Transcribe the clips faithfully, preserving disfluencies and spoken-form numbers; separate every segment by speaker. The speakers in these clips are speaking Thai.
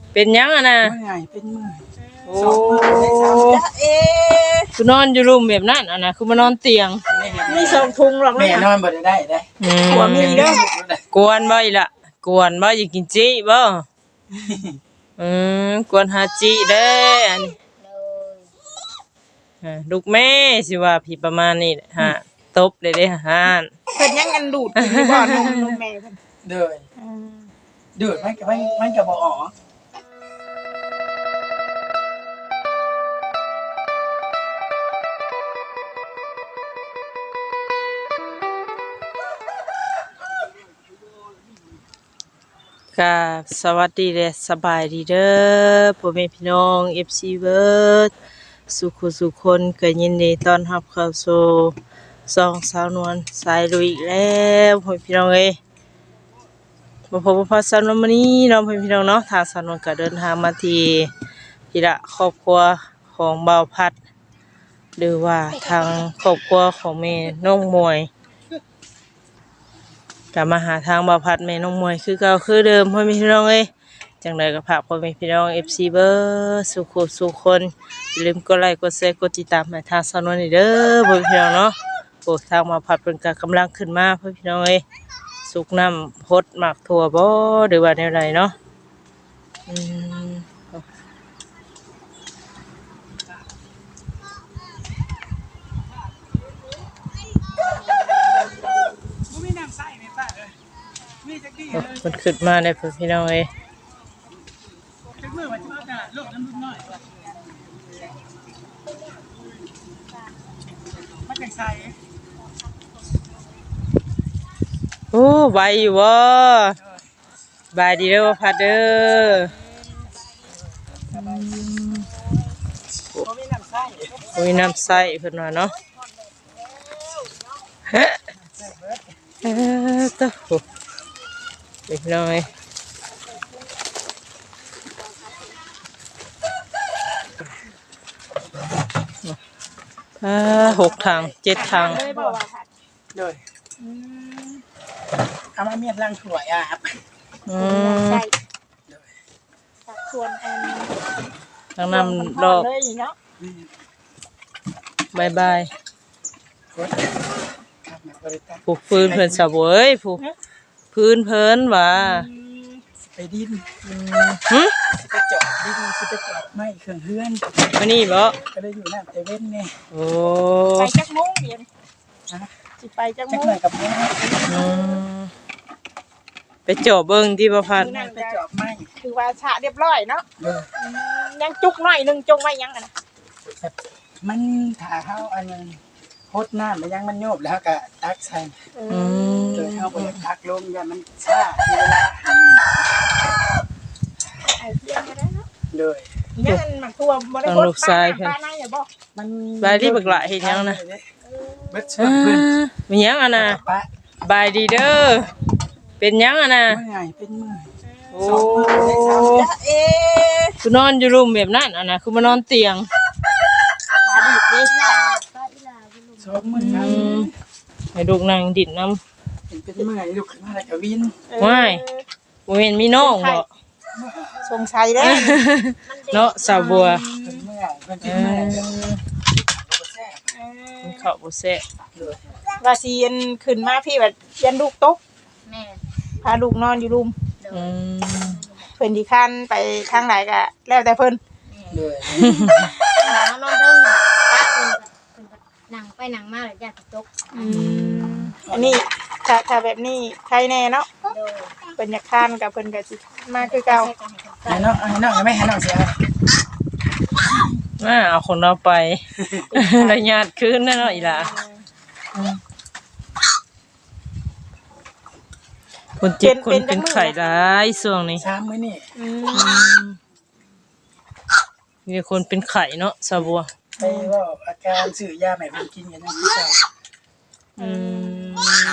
Speaker 1: เป็นยังอ่ะนะ
Speaker 2: เมื่อยเป็นเมื่อย
Speaker 1: โอ้เอ๊คือนอนอยู่รูมแบบนั้นอ่ะนะคือมานอนเตียง
Speaker 3: มีสองทุงหรอก
Speaker 2: แม่นอนบ่ได้ได้
Speaker 3: หัวมีเด้อก
Speaker 1: วนบ่อีละกวนบ่อยากกินจิบ่อืมกวนหาจิเด้อันนี้ฮะลูกแม่สิว่าพี่ประมาณนี้ฮะตบเลยเด้ฮะ
Speaker 3: เพิ่นยังกันดูดกินอยู่บ่นมนมแม่เพิ่น
Speaker 2: เด้อดูดมันก็มันมันก็บ่ออก
Speaker 1: กับสวัสดีและสบายดีเด้อพ่อแม่พี่น้อง เอฟ ซี เบิร์ดสุขสุขคนก็ยินดีต้อนรับเข้าสู่ช่องสาวนวลสายลุยอีกแล้วพ่อแม่พี่น้องเอ้ยมาพบกับพ่อสาวนวลมื้อนี้เนาะพ่อแม่พี่น้องเนาะทางสาวนวลก็เดินทางมาที่ที่ละครอบครัวของบ่าวพัดหรือว่าทางครอบครัวของแม่น้องมวยกลับมาหาทางบ่าวพัดแม่น้องมวยคือเก่าคือเดิมพ่อแม่พี่น้องเอ้ยจังไดก็ฝากพ่อแม่พี่น้อง เอฟ ซี เบิร์ดสุขสุขคนอย่าลืมกดไลค์กดแชร์กดติดตามให้ทางสาวนวลนี่เด้อพ่อแม่พี่น้องเนาะโอ้ทางบ่าวพัดเพิ่นก็กำลังขึ้นมาพ่อแม่พี่น้องเอ้ยสุกน้ำพดหมักถั่วบ่หรือว่าแนวใดเนาะอืมมันขึ้นมาได้พ่อพี่น้องเอ้ยโอ้ใบอยู่บ่บายดีเด้อบ่พัดเด้อโอ้ยน้ำใสเพิ่นว่าเนาะเฮ้เออตะโหเด็กน้อยอ่าหกทางเจ็ดทาง
Speaker 3: เลยบ่ว่าค่ะ
Speaker 2: เด้อเอามาเมียดล้างถ้วยอ่ะครับ
Speaker 1: อืม
Speaker 3: ใช่ตักส่วนอัน
Speaker 1: ทางนำดอก
Speaker 3: เลยเนาะ
Speaker 1: บายบาย
Speaker 2: ครับมาบริการ
Speaker 1: ผูกพื้นเพิ่นสะเวยผูกพื้นเพิ่นว่า
Speaker 2: ไปดิน
Speaker 1: หึ
Speaker 2: สิไปเจาะดินสิไปเจาะไม้เครื่องเฮือน
Speaker 1: มานี่บ่
Speaker 2: ก็ได้อยู่น้ำเตเว่นนี่
Speaker 1: โอ้
Speaker 3: ไปจักโมงเดียว
Speaker 2: ฮะ
Speaker 3: สิไปจักโม
Speaker 2: จัก
Speaker 3: ง
Speaker 2: หน่อยกับแม่
Speaker 1: อืมไปเจาะเบิ่งที่บ่พัด
Speaker 2: นั่งไปเจาะไม้
Speaker 3: คือว่าฉะเรียบร้อยเนาะ
Speaker 2: เด้อ
Speaker 3: อืมยังจุกหน่อยหนึงจงไว้ยังกันนะ
Speaker 2: แบบมันถ่าเข้าอันนึงพดน้ำมันยังมันโยบแล้วก็ตักใส่
Speaker 1: อืม
Speaker 2: โดยเข้าไปตักลงอย่ามันช้าทีเวลา
Speaker 3: ไอ้เพียงก็ได้เนาะ
Speaker 2: โดย
Speaker 3: ยังอันหมักตัวบ่ได้พดปลาปลาในอย่าบ่
Speaker 2: มัน
Speaker 1: บายดีบักหละเฮ็ดหยังนะ
Speaker 2: เบิดเชื่อ
Speaker 1: อ่า
Speaker 2: เพื่อน
Speaker 1: มีหยังอ่ะนะ
Speaker 2: ปะ
Speaker 1: บายดีเด้อเป็นหยังอ่ะนะ
Speaker 2: เมื่อยเป็นเมื่อย
Speaker 1: โอ้
Speaker 3: เอ๊ะ
Speaker 1: คือนอนอยู่รูมแบบนั้นอ่ะนะคือมานอนเตียง
Speaker 3: ขาดีดนี่
Speaker 2: สองมือครับ
Speaker 1: อืมให้ลูกนั่งดิดน้ำ
Speaker 2: เป็นเมื่อยลุกขึ้นมาแล้วก็วิน
Speaker 1: ว้ายบ่แม่นมีน้องบ่
Speaker 3: สงสัยได้
Speaker 1: เนาะสาวบัว
Speaker 2: เป็นเมื่อยเป็น
Speaker 1: เอ
Speaker 2: เมื่อย
Speaker 1: อ
Speaker 2: แซ่บ
Speaker 1: มันเข้าบ่แซ่บ
Speaker 2: เลย
Speaker 3: ว่าสิยันขึ้นมาพี่แบบยันลูกตก
Speaker 4: แม่
Speaker 3: พาลูกนอนอยู่รุม
Speaker 1: อืม
Speaker 3: เพิ่นสิคันไปทางไหนก็แล้วแต่เพิ่น
Speaker 2: เลย
Speaker 4: หลังนอนเทิงปะเพิ่นเพิ่นหนังไปหนังมาแล้วญาติตก
Speaker 3: อืมอันนี้ถ้าถ้าแบบนี้ใครแน่เนาะ
Speaker 4: โดย
Speaker 3: เพิ่นอยากคันกับเพิ่นก็สิมาคือเก่า
Speaker 2: ให้น้องให้น้องไม่ให้น้องเสีย
Speaker 1: มาเอาคนเราไป แล้วญาติคืนนั่นเนาะอีหล่ะคนเจ็บคนเป็นไข้หลายช่วงนี้
Speaker 2: สามมื้อนี่
Speaker 3: อืม
Speaker 1: มีคนเป็นไข้เนาะสาวบัว
Speaker 2: ไปว่าอาการซื้อยาใหม่เพิ่นกินกันนั่นคือเก่า
Speaker 1: อืม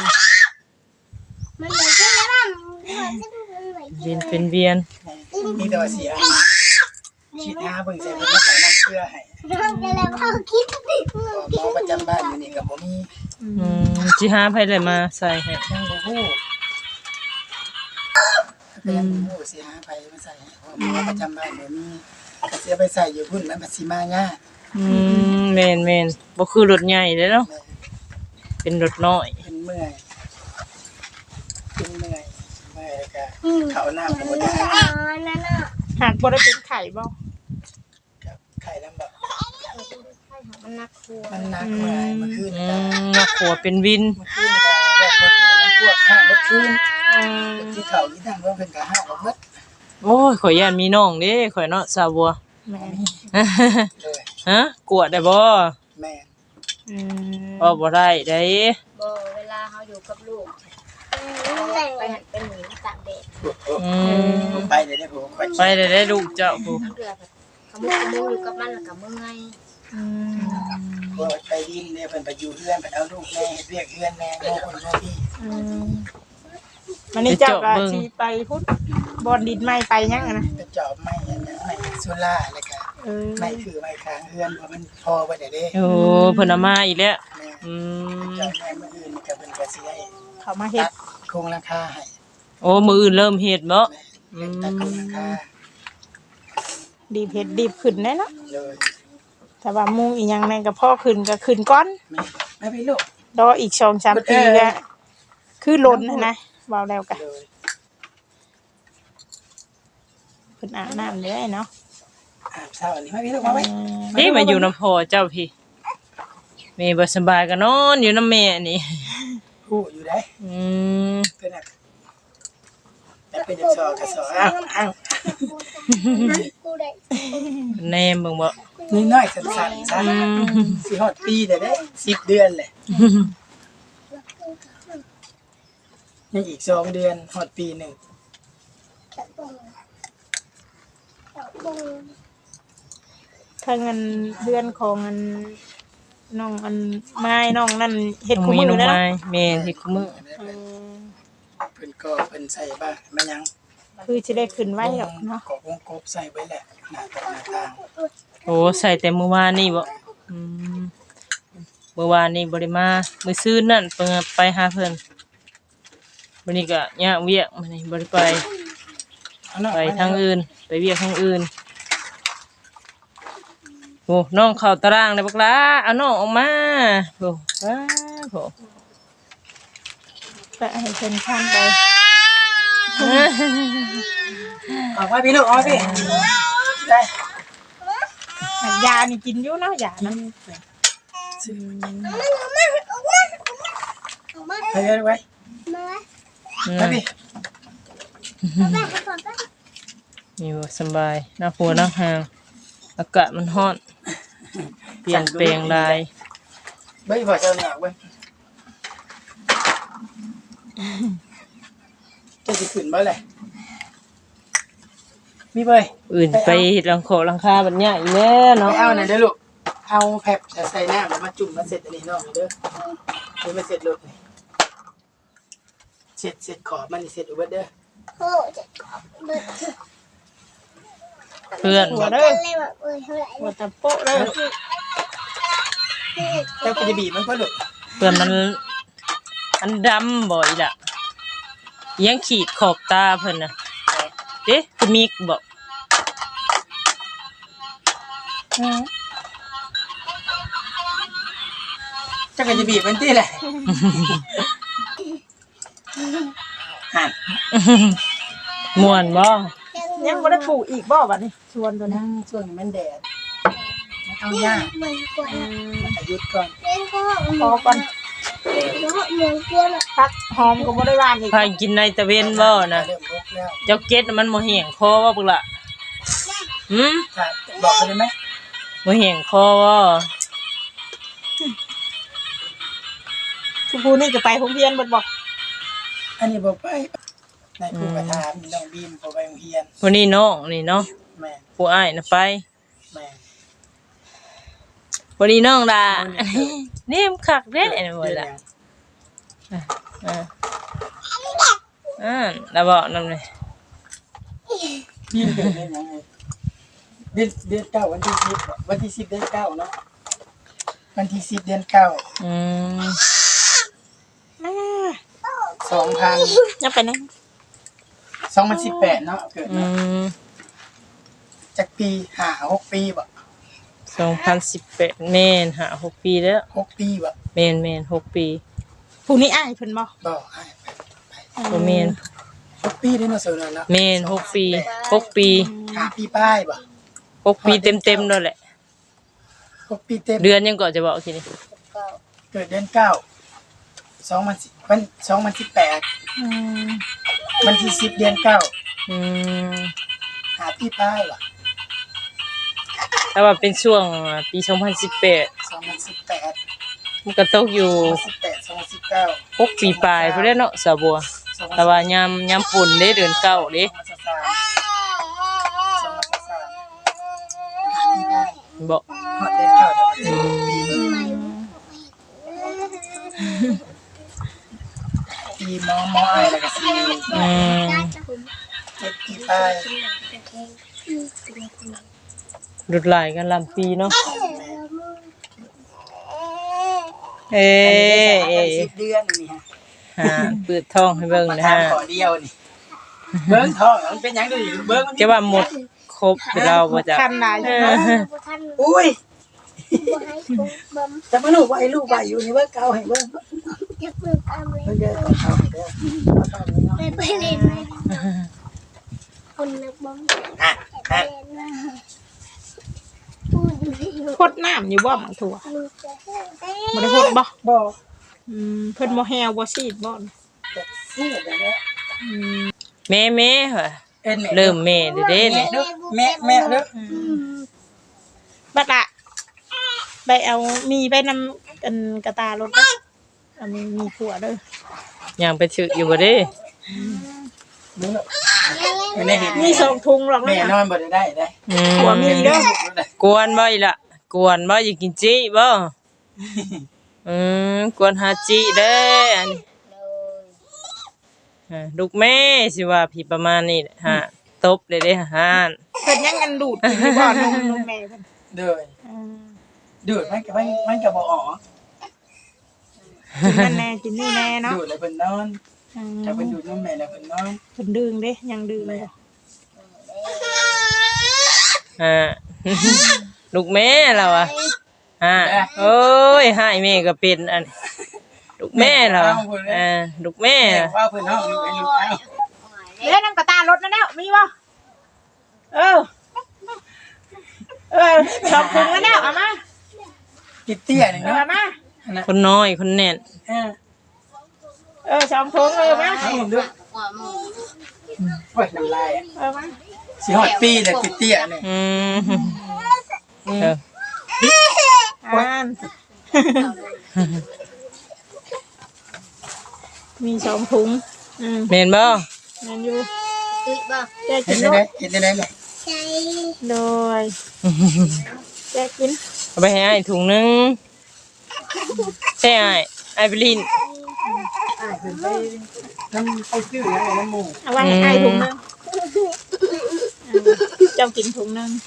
Speaker 4: มันเลยขึ้นแล้วมันมันจะดูมันไหว
Speaker 1: เวียนเป็นเวียน
Speaker 2: มีแต่ว่าเสียฉีดยาเบิ่งใส่เพิ่นมาใส่น้ำเกลือให้
Speaker 4: ร้องกันแล้วเขาคิดติดมือ
Speaker 2: หมอประจำบ้านมื้อนี้ก็บ่มี
Speaker 1: อืมสิหาไผเลยมาใส่ให้
Speaker 2: ยังบ่ฮู้ก็ยังบ่ฮู้สิหาไผมาใส่เพราะว่าประจำบ้านบ่มีก็สิเอาไปใส่อยู่พุ่นมันบ่สิมายาก
Speaker 1: อืมแม่นแม่นบ่คือรถใหญ่เด้เนาะเป็นรถน้อย
Speaker 2: เป็นเมื่อยเป็นเมื่อยเมื่อยแล้วก็เข้าน้ำก็บ่ได้
Speaker 3: หากบ่ได้เป็นไข่บ่
Speaker 2: กับไข่ลำบาก
Speaker 4: มันนักครัว
Speaker 2: มันหนักเมื่อยเมื่อคืน
Speaker 1: อื
Speaker 2: นี่ก็
Speaker 1: มนักขัวเป็นวิน
Speaker 2: เมื่อคืนนี่ก็แยกรถน้ำพวกห้างรถคืน
Speaker 3: อืม
Speaker 2: ที่เขาที่ทางว่าเป็นกะห้างรถมัด
Speaker 1: โอ้ยข่อยย่านมีน้องเด้ข่อยเนาะสาวบัว
Speaker 3: แม่น
Speaker 2: เลย
Speaker 1: ฮะกวดได้บ่
Speaker 2: แม่
Speaker 3: อืม
Speaker 1: บ่บ่ได้ได้
Speaker 4: บ่เวลาเขาอยู่กับลูกไปหันไปหนีตากแดด
Speaker 1: อืม
Speaker 2: ผมไปเลยได้ผมค่อย
Speaker 1: ไปได้ได้ลูกเจ้าผู้
Speaker 4: ทั้งเดือแบบขมุกขมุกอยู่กับมันแล้วกับเมื่อย
Speaker 3: อืม
Speaker 2: พอไปดินเนี่ยเพิ่นไปอยู่เพื่อนไปเอาลูกแม่เรียกเพื่อนแม่โง่คนโง่พี่
Speaker 3: อืมวันนี้เจ้าก็สิไปพุทธบอนดินไม้ไปยังอะนะ
Speaker 2: เป็นจอบไม้อันนั้นไม้โซล่าอะไรกัน
Speaker 3: เออ
Speaker 2: ไม้คือไม้ค้างเพื่อนเพราะมันพอไปได้เด้
Speaker 1: โอ้เพิ่นเอามาอีกแล้ว
Speaker 2: แม่
Speaker 1: อืม
Speaker 2: เจ้าแม่เมื่ออื่นนี่ก็เป็นกระสีให้
Speaker 3: เขามาเฮ็
Speaker 2: ตั
Speaker 3: ด
Speaker 2: ดโครงราคาให้
Speaker 1: โอ้มื้ออื่นเริ่มเฮ็ดบ่
Speaker 2: แม่ตัดโครงราคา
Speaker 3: ดีบเฮ็ดดีบขึ้นแน่เนาะ
Speaker 2: เลย
Speaker 3: แต่ว่ามุงอีหยังแม่นก็พ่อขึ้นก็ขึ้นก่อน
Speaker 2: แม่แม่พี่ลูก
Speaker 3: รออีกสองสามปีก็คือล้นนะนะเว้าแล้วก็
Speaker 2: เลย
Speaker 3: เพิ่นอาบน้ำได้เนาะ
Speaker 2: อาบเช้าอันนี้แม่พี่ลูกมาไว้
Speaker 1: นี่มาอยู่นำพ่อเจ้าพี่แม่บ่สบายก็นอนอยู่นำแม่นี่
Speaker 2: ผู้อยู่ได้
Speaker 1: อืม
Speaker 2: เพิ่นน่ะแต่เป็นจักซอกระซออ้าวอ้าว
Speaker 4: กูได้
Speaker 1: แนมเบิ่งบ่
Speaker 2: นี่น้อยสั้นๆซะสิฮอดปีได้เด้สิบเดือนแหละยังอีกสองเดือนฮอดปีหนึ่ง
Speaker 3: ถ้าเงินเดือนของอันน้องอันไม้น้องนั่นเฮ็ด
Speaker 1: ต้อง
Speaker 3: คู่
Speaker 1: มี
Speaker 3: มือ
Speaker 1: น้อง
Speaker 3: แล้ว
Speaker 1: ไม้
Speaker 3: เนาะ
Speaker 1: แม่ที่คุมื้อ
Speaker 3: เออ
Speaker 2: เพิ่นก็เพิ่นใส่บ้างมายัง
Speaker 3: คือสิได้ขึ้นไว้หรอกเนาะ
Speaker 2: กอกวงกบใส่ไว้แหละหน้าตาหน้าต่าง
Speaker 1: โอ้ใส่แต่มื้อวานนี่บ่อืมมื้อวานนี่บ่ได้มามื้อซื่นนั่นเพิ่นไปหาเพิ่นวันนี้ก็ยากเวียกมื้อนี้บ่ได้ไป
Speaker 2: เอาเนาะ
Speaker 1: ไปทางอื่นไปเวียกทางอื่นโอ้น้องเข้าตารางเลยบักหลาเอาน้องออกมาโอ้ว้าโห
Speaker 3: ก็ให้เพิ่นข้ามไป
Speaker 2: เอาไว้พี่ลูกเอาไว้พี่ได้
Speaker 3: ยานี่กินอยู่เนาะยานะ
Speaker 2: ซื้อไปเลยไว้
Speaker 4: มาไว้
Speaker 1: อื
Speaker 2: ไว้
Speaker 1: ม
Speaker 2: พี่
Speaker 4: มาไปก่อนไป
Speaker 1: นี่บ่สำบายหน้าหัวหน้าหางอากาศมันร้อนเปลี่ยนแปลงหลาย
Speaker 2: เบ้ยพอเจ้าหน้าเว้ยจะสิขึ้นบ่เลยมีเบ้ย
Speaker 1: อื่นไปเฮ็ดหลังคอหลังคาบัดเนี้ยอีแม่
Speaker 2: เอา
Speaker 1: เนาะ
Speaker 2: เอาหน่อยเด้อลูกเอาแผบใส่น้ำแล้วมาจุ่มมาเสร็จอันนี้เนาะเด้อเดี๋ยวมาเสร็จลูกนี่เสร็จเสร็จขอบมันนี่เสร็จอุบัติเด้อ
Speaker 4: โอ้จะกอบเบิด
Speaker 1: เพื่อน
Speaker 3: หัวเด้อ
Speaker 4: เลยแบบเอ้ยเท่าไหร่
Speaker 3: หัวตะโปะเด้อ
Speaker 2: เจ้าก็จะบีบมันก็ลูก
Speaker 1: เพื่อนมันมันดำบ่อีล่ะยังขีดขอบตาเพิ่นน่ะเอ๊ะคือมีบ่
Speaker 2: เจ้าก็จะบีบมันที่แหละหัน
Speaker 1: ม่วนบ่
Speaker 3: ยังบ่ได้ปลูกอีกบ่บัดนี้ชวนตัวนี้
Speaker 2: นั่งช่วงนี้มันแดดมันเอายาก
Speaker 4: เหมือนกวน
Speaker 2: มันอายุดก่อน
Speaker 4: เล่นก็
Speaker 3: พอก่อน
Speaker 4: เหมือนกวน
Speaker 3: พักหอมก็บ่ได้หวานอีก
Speaker 1: พากินในตะเวนบ่นะ
Speaker 2: เริ่มลุกแล้ว
Speaker 1: เจ้าเก็ดมันบ่แห้งคอบ่พุ่นล่ะหืม
Speaker 2: ค่ะบอกไปได้ไหม
Speaker 1: บ่แห้งคอบ่
Speaker 3: ผู้ผู้นี่จะไปโรงเรียนเบิดบ่
Speaker 2: อันนี้บอกไปในครูกระทามน้องบีมพอไปโรงเรียน
Speaker 1: วันนี้น้องนี่เนาะ
Speaker 2: แม่
Speaker 1: ผู้อ้ายน่ะไป
Speaker 2: แม่
Speaker 1: วันนี้น้องล่ะนี่มนคักเด้นี่บ่ล่ะอ่าอ่าแล้วบ่นำเลย
Speaker 2: บีมเกิดเดือนยังไงเดือนเดือนเก้าวันที่สิบวันที่สิบเดือนเก้าเนาะวันที่สิบเดือนเก้า
Speaker 1: อืม
Speaker 3: อ่า
Speaker 2: สองพัน
Speaker 3: ยังไปไหน
Speaker 2: สองพันสิบแปดเนาะเกิด
Speaker 1: อื
Speaker 2: เนาะ
Speaker 1: ม
Speaker 2: จากปีห้าหกปีบ่
Speaker 1: สองพันสิบแปดแม่นหาหกปีแล้ว
Speaker 2: หกปีบ่
Speaker 1: แม่นแม่นหกปี
Speaker 3: ผู้นี้อ้ายเพิ่นบ่
Speaker 2: บ่ให้ไป
Speaker 1: บ่แม่น
Speaker 2: หกปีได้เนาะเสิร์ฟเนาะ
Speaker 1: แม่นหกปีหกปี
Speaker 2: ห้าปีป้ายบ่
Speaker 1: หกปีเต็มๆนั่นแหละ
Speaker 2: หกปีเต็ม
Speaker 1: เดือนยังก่อนจะบอกทีนี้
Speaker 4: ก็
Speaker 2: เกิดเดือนเก้าสองพันสิบวันสองพันสิบแปด
Speaker 3: อืม
Speaker 2: วันที่สิบเดือนเก้า
Speaker 1: อืม
Speaker 2: หาปีป้ายบ่
Speaker 1: ถ้าว่าเป็นช่วงปีสองพันสิบแปด
Speaker 2: สองพันสิบแปด
Speaker 1: มันก็ตกอยู่
Speaker 2: สิบแปดสองพันสิบเก้า
Speaker 1: หกปีปลายพุ่นแหล้วเนาะสาวบัวแต่ว่ายามยามฝนเด้เดือนเก้าเด้
Speaker 2: สองพันสิบสามสองพันสิบสามหาปีป้าย
Speaker 1: บอก
Speaker 2: ฮอดเดือนเก้าเดือนปีปีมอมอไอแล้วก็สี่
Speaker 1: อืม
Speaker 2: เจ็ดปีป้าย
Speaker 1: ดุดหลายกันลำปีเนาะเอ้เอ้
Speaker 2: สิบเดือนนี่ฮะ
Speaker 1: ฮะเปิดท้องให้เบิ่ง
Speaker 2: มา
Speaker 1: นะ
Speaker 2: ทำ
Speaker 1: ฮะ
Speaker 2: ขอเดียวนี่เบิ้งทองมันเป็นหยังดูดิเบิ้งมัน
Speaker 1: จะว่าหมดครบไปเราบ่จ้ะ
Speaker 3: คันหลาย
Speaker 1: เอ
Speaker 3: เนาะ
Speaker 1: อ
Speaker 2: อุ้ยแต่มาลูกว่าไอ้ลูกว่าอยู่นี่เบิ้งเก่าให้เบิ้งเบิ้งเด้อเอาให้เด้อเอาทองนี่เนาะ
Speaker 4: ไปเล่นเลยคนนักบอล
Speaker 2: อ่ะอ่ะ
Speaker 3: พดน้ำอยู่บ่บังถั่วบ่ได้พดบ่
Speaker 2: บ่
Speaker 3: อืมเพิ่นบ่แฮวบ่ซีดบ่
Speaker 2: นี่เดี๋ยวนี้
Speaker 3: อืม
Speaker 1: แม่แม่เหรอ
Speaker 2: เอ็นแม่
Speaker 1: เริ่มแม่เด้อเด้
Speaker 2: แม่
Speaker 1: นี่
Speaker 2: เด้อแม่แม่เด้อ
Speaker 3: บัดละไปเอามีไปนำกันกระตารถบ่อันนี้มีผัวเด้อ
Speaker 1: ยังไปถึกอยู่บ่เด้
Speaker 2: เด้อไม่ได้เห็น
Speaker 3: มีสองถุงหรอก
Speaker 2: แม่
Speaker 3: นะ
Speaker 2: นอนบ่ได้ได้ได้
Speaker 1: อืม
Speaker 3: ผัวมีเด้อ
Speaker 1: กวนบ่อีล่ะกวนบ่อยากกินจิบ่อืมกวนหาจิเด้ออันนี้
Speaker 4: เลย
Speaker 1: อ่าลูกแม่สิว่าพี่ประมาณนี้แหละฮะตบเลยเด้อฮะ
Speaker 3: เพิ่นยังกันดูดกินอยู่บ่นมนมแม่เพิ่น
Speaker 2: เด้อ
Speaker 3: อืม
Speaker 2: ดูดมันก็มันมันก็บ่ออก
Speaker 3: กินนั่นแน่กินนี่แน่เนาะ
Speaker 2: ดูดแล้วเพิ่นนอน
Speaker 3: อืม
Speaker 2: ถ้าเพิ่นดูดนมแม่แล้วเพิ่นนอน
Speaker 3: เพิ่นดึงเด้ยังดึงเลย
Speaker 1: ฮะ ลูกแม่เราอ่ะฮะโอ้ยหายแม่ก็เป็นอันลูกแม่เราอะอ่าลูกแม่
Speaker 2: แม่
Speaker 1: อะ
Speaker 2: ว่าเพิ่นเฮาลูกไอ้ลูกเอ้า
Speaker 3: เล่นน้ำกระตารถนั่นแล้วมีบ่เออเออสองถุงแล้วเอามา
Speaker 2: กิดเตี้ยนี่
Speaker 3: เอา
Speaker 2: เนาะ
Speaker 3: มา
Speaker 2: อันนั้น
Speaker 1: คนน้อยคนแน่น
Speaker 2: เออ
Speaker 3: เออสองถุงเออมา
Speaker 2: เอาผมดู
Speaker 4: หัวหมู
Speaker 2: โอ้ยน้ำลายอะ
Speaker 3: เออมา
Speaker 2: สิฮอดปีแล้วกิดเตี้ยนี่
Speaker 1: อืมเออ
Speaker 3: อ่านมีสองถุงอืม
Speaker 1: แม่นบ่
Speaker 3: แมนอยู่
Speaker 4: ตุ้ยบ่
Speaker 3: แจก
Speaker 2: เห็
Speaker 3: กิ
Speaker 2: น
Speaker 3: น
Speaker 2: ได้
Speaker 3: ด้ว
Speaker 2: ไหม
Speaker 3: ย
Speaker 2: เห็นได้ไหมแม่
Speaker 4: ใช่
Speaker 3: โดยแจกกิน
Speaker 1: เอาไปให้อ้ายถุงหนึงใช่อ้ายอ้ายไปลิน
Speaker 2: อ้ายเพิ่นไปน้ำไปซื้อแล้วน้ำหมู
Speaker 3: เอาไว้ให้ไอ้ถุงหนึงเจ้ากินถุงหนึง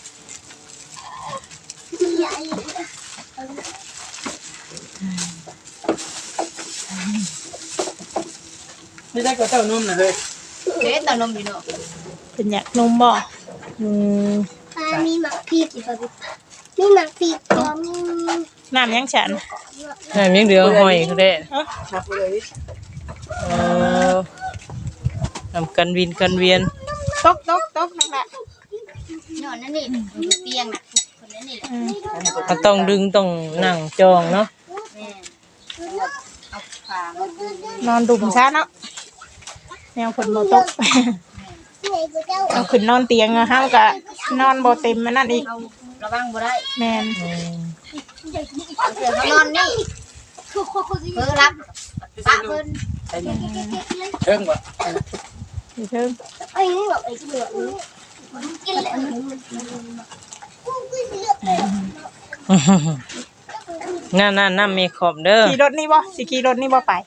Speaker 2: นี่ได้ก็เจ้านมน่ะเฮ้ย
Speaker 4: เด็ดตอนนมอยู่เนาะ
Speaker 3: เป็นอยากนมบ่อืม
Speaker 4: ป้ามีหมักพริกอีกครับมีหมักพริกก็มี
Speaker 3: น้ำยังฉัน
Speaker 1: อ้ายมีเหลือหอยเขาได้
Speaker 3: เอ้า
Speaker 2: นับไปเลย
Speaker 1: เออทำกันวินกันเวียน
Speaker 3: ตกตกตกนั่นแหละ
Speaker 4: นอนนั่นนี่อยู่เตียงน่ะคนนั้นนี่แหละ
Speaker 3: อืม
Speaker 1: ก็ต้องดึงต้องนั่งจองเนาะ
Speaker 4: แม่เอาขามาดึง
Speaker 3: นอนดุมซะเนาะแนวฝนบ่ตก เอาขึ้นนอนเตียงอะเฮาก็นอนบ่เต็มมันนั่นอีก
Speaker 4: เราระวังบ่ได้
Speaker 3: แม่น
Speaker 1: อืม
Speaker 4: เสือเขานอนนี่เพิ่งรับปะเพิ่น
Speaker 2: ใช่นมเทิงบ่
Speaker 3: อยู่เทิง
Speaker 4: ไอ้นี่แบบไอ้ที่เหลือนี่กินเลย
Speaker 1: นั่นนั่นนั่นมีขอบเด้อ
Speaker 3: ขี่รถนี่บ่สิขี่รถนี่บ่ไป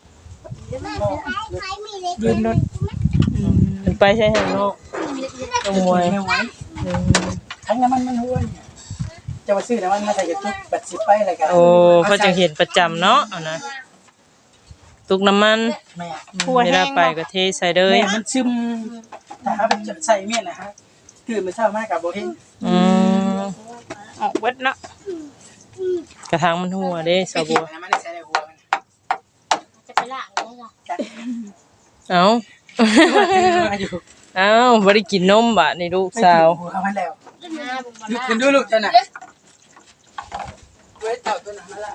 Speaker 3: ยืนรถอืม
Speaker 1: มันไปใช่ไหมเนาะต้องมวย
Speaker 2: ไม่ไหว
Speaker 1: อืม
Speaker 2: ทั้งน้ำมันมันห้วยจะมาซื้อน้ำมันมาใส่กระตุกบัดสิบไปอะไรกัน
Speaker 1: โอ้เขาจะเห็นประจำเนาะเอานะตุกน้ำมัน
Speaker 2: แม่
Speaker 3: หัว
Speaker 1: เว
Speaker 3: แห้
Speaker 1: ลาง ไป
Speaker 3: บ่
Speaker 1: ก็เทใส่เลย
Speaker 2: แม่มันซึมแต่ถ้าเป็นใส่เมียนนะฮะคือมันเช้ามากกับโบเฮง
Speaker 1: อืม
Speaker 3: ออกเบิดเนาะ
Speaker 1: กระถางมันหัวเด้
Speaker 2: ไป
Speaker 1: สาว
Speaker 2: ถี
Speaker 1: บั
Speaker 2: บ
Speaker 1: ว
Speaker 2: นะมันได้ใส่ในหัวมัน
Speaker 4: จะไปล่างได้จ้ะ
Speaker 1: เอ้า
Speaker 2: มาอยู่
Speaker 1: เอ้าบ่ได้กินนมบะนี่ลูกสาว
Speaker 2: หัวเอามันแล้ว
Speaker 4: หน้าบุกมา
Speaker 2: ลุก
Speaker 4: ล่า
Speaker 2: ขึ้นดูลูกเจ้าน่ะเว้ยเต่าตัวนั้นมาละ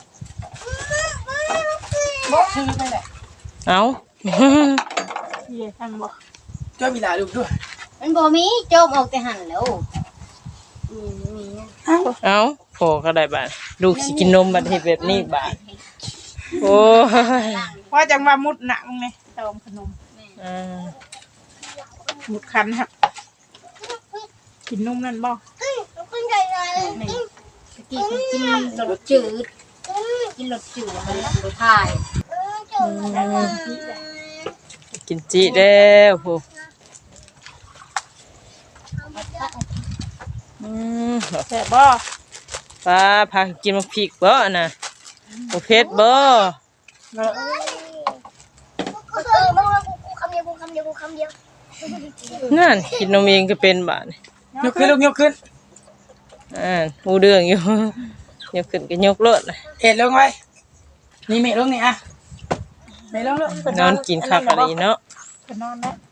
Speaker 2: บอกชื่อไปแหละ
Speaker 1: เอ้า
Speaker 3: เย่ทางบ่
Speaker 2: เจ้ามีหลาลูกด้วย
Speaker 4: มันบ่มีโจมออกแต่หันแล้วมีมี
Speaker 1: เอ้าพอก็ได้บาดลูกสิกินนมบัดเฮ็ดแบบนี้บาดโอ้ย
Speaker 3: ว่าจังว่ามุดหนังนี่เติมขนม
Speaker 1: อ่า
Speaker 3: มุดคันครับกินนมนั่นบ่
Speaker 4: นี่ตะกี้คือกินรสจืดกินรสจืดมันรสพาย
Speaker 1: กินจิแล้วโหอืม
Speaker 3: แซ่บบ่
Speaker 1: ป้าพากินมักพริกบ่น่ะบ่เผ็ดบ่
Speaker 3: เนาะ
Speaker 1: นั่นกินนมเองก็เป็นบาดนี่
Speaker 2: ยกขึ้นลูกยกขึ้น
Speaker 1: อ่าหูเรื่องอยู่ ยกขึ้นก็ยกรถน่ะ
Speaker 2: เอ็ดลงไว้นี่เมฆลงนี่อ่ะเมฆลงลูก
Speaker 1: นอนกินคักอะไรเนาะ
Speaker 3: ไปนอนแล้ว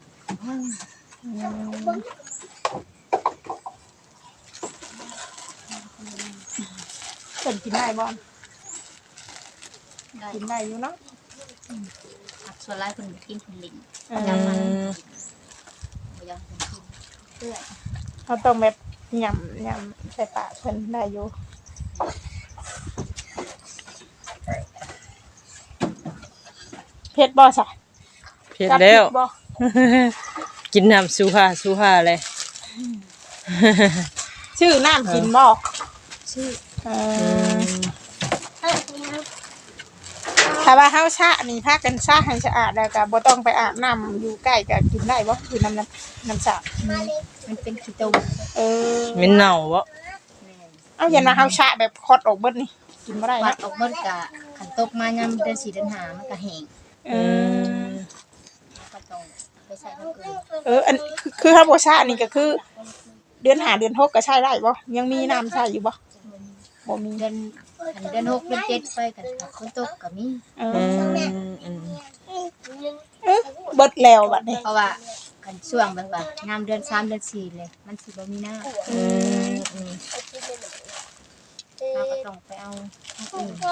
Speaker 3: เพิ่นกินได้บ่กินได้อยู่เนาะ
Speaker 4: ส่วนหลายคนกินคนลิง
Speaker 1: อืม
Speaker 4: บ่ยังกินเพื่อ
Speaker 3: เขาต้องแบบยำยำใส่ปากเพิ่นได้อยู่เผ็ดบ่ซะ
Speaker 1: เผ็ดแล้ว
Speaker 3: จับผิดบ่
Speaker 1: กินน้ำสูฮาสูฮาเลย
Speaker 3: ชื่อน้ำกินบ่
Speaker 4: ชื่อ
Speaker 3: เออถ้าว่าเฮาชะนี่พากันชะให้สะอาดแล้วก็บ่ต้องไปอาบน้ำอยู่ใกล้ก็กินได้บ่อยู่น้ำน้ำน้ำสระ
Speaker 4: มันเป็นขี้ตุ่ม
Speaker 3: เออ
Speaker 1: เหม็นเน่าบ่
Speaker 4: แม่
Speaker 3: เอาอย่ามาเฮาชะแบบคดออกเบิดนี่กินบ่ได้
Speaker 4: วัด
Speaker 3: นะ
Speaker 4: ออกเบิดกะขันตกมายามเดือนสี่เดือนห้ามันก็แห้ง
Speaker 3: เอ
Speaker 1: อื
Speaker 3: อ
Speaker 1: ม
Speaker 4: ก็ต้องไปใส่น้ำเกลือ
Speaker 3: เอออันคือคือเฮาบ่ชะนี่ก็คือ เดือนห้าเดือนหกก็ใช้ได้บ่ยังมีน้ำใช้อยู่บ่บ่มี
Speaker 4: เดือนอันเดือนหกเดือนเจ็ดไปกันคนตกก็มี
Speaker 3: เอ
Speaker 1: อื
Speaker 3: อ
Speaker 1: มอืม
Speaker 3: เออเบิดแล้วบัดนี้
Speaker 4: เพราะว่ากันช่วงแบบว่างามเดือนสามเดือนสี่เลย มันสิบ่มีน้ำ
Speaker 1: อืมอืม
Speaker 4: เราก็ต้องไปเอาอันอื่น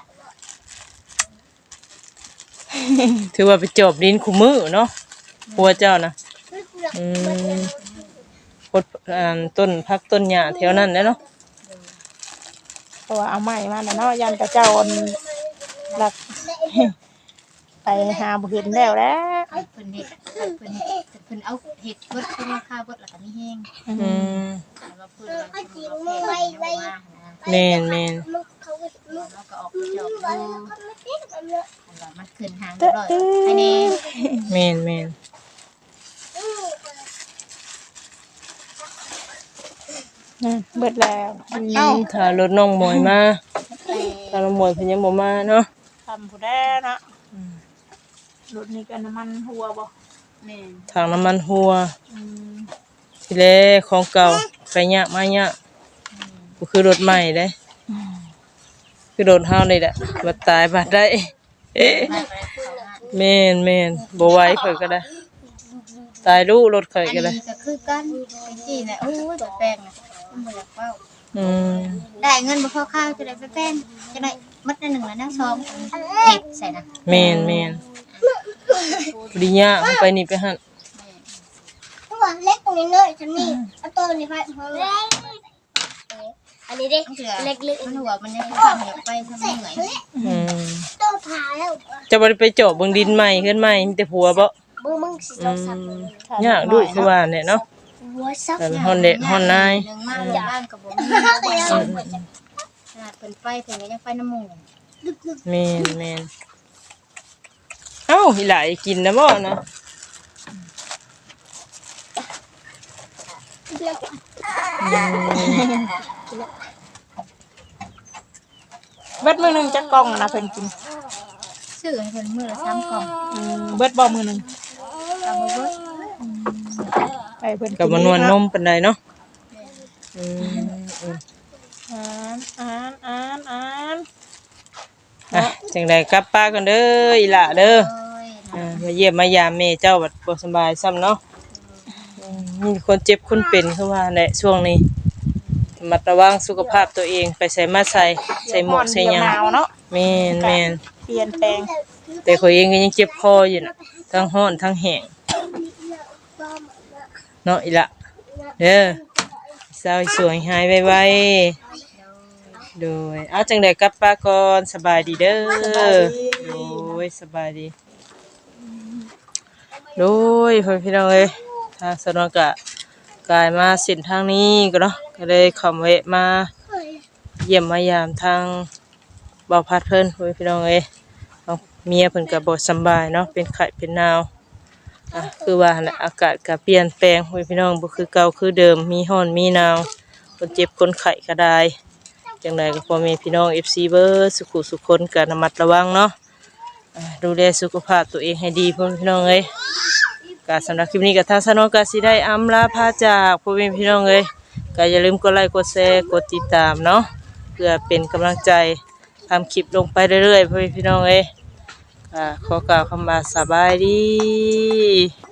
Speaker 1: ถือว่าไปจอบดินคู่มือเนาะพัวเจ้านะอืมพดอ่าต้นพักต้นหญ้าแถวนั้นแหละเนาะ
Speaker 3: เพราะว่าเอาไม้มาแล้วเนาะยันกระเจ้าอันหลัก ไปหาบ่เห็นแล้วแหล้ว
Speaker 4: เพิ่นเฮ็ดเพิ่นเฮ็ดเพิ่นเอาเฮ็ดเบิดเพิ่นราคาเบิดแล้วก็มีแห้ง
Speaker 1: อืม
Speaker 4: แล้วก็เพิ่นเอาเพิ่นเอาแพงเอามานะ
Speaker 1: แม่นแม่น
Speaker 4: แล้วก็ออกไปจอบดูแล้วมันขึ้นหางเรียบร้อยภายใน
Speaker 1: แม่นแม่น
Speaker 3: นั่นเบิดแล้ว
Speaker 1: อื
Speaker 3: เอ้าม
Speaker 1: ถ้ารถน้องหมวยมาถ้าน้องหมวยเพิ่นยังบ่มาเนาะ
Speaker 3: ทำผู้แด้เนาะรถนี้ก็น้ำมันหัวบ่
Speaker 4: แม่น
Speaker 1: ทางน้ำมันหัว
Speaker 3: อืม
Speaker 1: ทีแรกของเก่าไปยะมายะก็คือรถใหม่เด้คือรถเฮานี่แหละบ่ตายบ่ได้เอ๊ะ
Speaker 4: มาไปเข้าหา
Speaker 1: แม่นแม่นบ่ไหวข่อยก็ได้ ตายลูกรถข่อย
Speaker 4: อัน
Speaker 1: ก็ได้
Speaker 4: นี้ก็คือกันเป็นที่แหละโอ้ยแบบแป้งน่ะมันบ่อยากเว้า
Speaker 1: อืม
Speaker 4: ได้เงินบ่พอข้าวจะได้ไปแป้งจะได้มัดละหนึ่งละนะสองเฮ็ดใส่นะ
Speaker 1: แม่นแม่นปริญญาเอาไปนี่ไปหั่น
Speaker 5: ว่าเล็กตรงนี้เลยฉันนี่เอาตัวนี้ไปพอเลยอันนี้ดิ
Speaker 4: มันเถื่อ
Speaker 5: เล็กลึก
Speaker 4: มันหัวมันยังข้างอยากไปทำเหนื่อย
Speaker 1: อืม
Speaker 5: ตัวผาแล้ว
Speaker 1: จะบ่ได้ไปเจาะเบิ่งดินใหม่เฮือนใหม่มีแต่ผัวบ่
Speaker 5: มือมึงสิ
Speaker 1: อื
Speaker 5: เราสับ
Speaker 1: มยากดูคือว่าเนี่ยเนาะ
Speaker 5: หัวซับ
Speaker 1: แต่ฮอนเด็ดฮอนนาย
Speaker 4: เรื่องมากบ้านกับบ่มีบ่บ่ขนาดเพิ่นไปเพิ่นก็ยังไปน้ำหมู่
Speaker 1: แม่นแม่นเอ้าอีหลายกินนะบ่นะ
Speaker 3: เบิดมื้อหนึงจักกล่องนะเพิ่นกิน
Speaker 4: ซื้อให้เพิ่นมื้อละสามกล่อง
Speaker 3: อืมเบิดบ่มื้อหนึง
Speaker 4: เอาบ่เบิด
Speaker 3: ไปเพิ่น
Speaker 1: ก็บ่นวลนมปานใดเนาะอืมอืม
Speaker 3: อ่านอ่านอ่านอ่าน
Speaker 1: อ่ะจังไดกลับป้ากันเด้ออีหล่าเด้อ
Speaker 4: โอ้ย
Speaker 1: อ่ามาเยี่ยมมายามแม่เจ้าบัดบ่สบายซ้ำเนาะอืมมีคนเจ็บคนเป็นคือว่าแหละช่วงนี้ระมัดระวังสุขภาพตัวเองไปใส่มาใส่ใส่หมวกใส่หยัง
Speaker 3: หนาวเนาะ
Speaker 1: แม่นแม่น
Speaker 3: เปลี่ยนแปลง
Speaker 1: แต่ข้อยเองก็ยังเจ็บคออยู่น่ะทั้งร้อนทั้งแห้งเนาะอีหล่ะเด้อสาวสวยหายไวๆโดยเอาจังไดกลับป้าก่อนสบายดีเด้อโดยสบายดีโดยพ่อพี่น้องเอ้ยทางสนองกะกายมาเส้นทางนี้ก็เนาะก็เลยเข้ามาแวะมาเยี่ยมมายามทางบ่าวพัดเพิ่นพ่อพี่น้องเอ้ยเอาเมียเพิ่นก็บ่สำบายเนาะเป็นไข้เป็นหนาวอ่ะคือว่าหั่นแหละอากาศก็เปลี่ยนแปลงพ่อพี่น้องบ่คือเก่าคือเดิมมีร้อนมีหนาวคนเจ็บคนไข้ก็ได้จังไดก็พ่อแม่พี่น้อง เอฟ ซี เบิดสุขุสุขคนก็ระมัดระวังเนาะอ่าดูแลสุขภาพตัวเองให้ดีพ่อพี่น้องเอ้ยก็สำหรับคลิปนี้ก็ทางสนองก็สิได้อำลาพาจากพ่อแม่พี่น้องเอ้ยก็อย่าลืมกดไลค์กดแชร์กดติดตามเนาะเพื่อเป็นกำลังใจทำคลิปลงไปเรื่อยๆพ่อแม่พี่น้องเอ้ยอ่าขอกล่าวคำว่าสบายดี